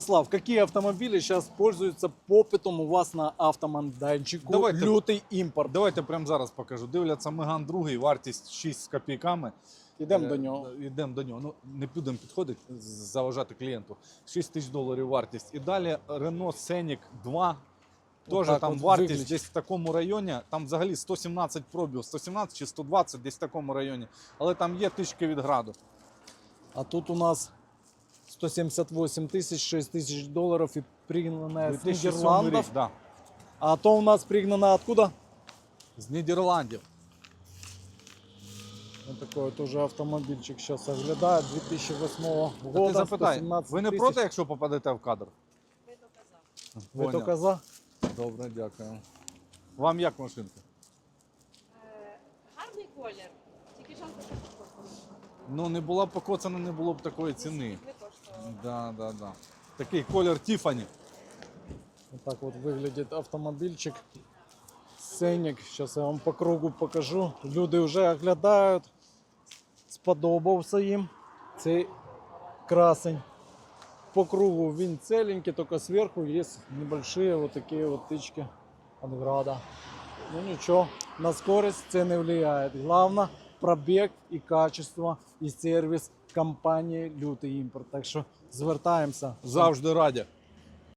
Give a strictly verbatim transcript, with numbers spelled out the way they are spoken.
Слав, какие автомобили сейчас пользуются попитом у вас на автомайданчику? Давайте. Лютий імпорт. Давайте прямо зараз покажу. Дивляться Меган другий, вартість шість з копійками. Ідемо Е, до нього. Йдемо до нього. Ну, не будемо підходити, заважати клієнту. шість тисяч доларів вартість. І далі Renault Scenic два. Теж Отак там от вартість виглядить. десь в такому районі. Там взагалі сто сімнадцять пробів, сто сімнадцять чи сто двадцять, десь в такому районі. Але там є тички від граду. А тут у нас сто семьдесят восемь тысяч, шесть тысяч долларов и пригнанная с дві тисячі сьомий Нидерландов. рік, да. А то у нас пригнана откуда? З Нідерландів. Вот такой вот тоже автомобильчик сейчас оглядает, две тысячи восьмого Та года. ти запитай, сто семнадцать ви не тисяч. проти, якщо попадете в кадр? Ви Поняв. тільки за? Добре, дякую. Вам як машинка? Е, Гарний колір, тільки жалко, що покоцаний. Ну, не була б покоцана, не було б такої ціни. Не коштувало. Да, да, да. Такий колір Тіфані. Вот так вот выглядит автомобильчик. Сценик. Сейчас я вам по кругу покажу. Люди вже оглядають. Сподобався їм цей красень. По кругу він целенький, только сверху есть небольшие вот такие вот тычки от града. Ну ничего, на скорость це не влияет. Главное пробег и качество, и сервис компанії Лютий імпорт. Так що звертаємося. Завжди раді.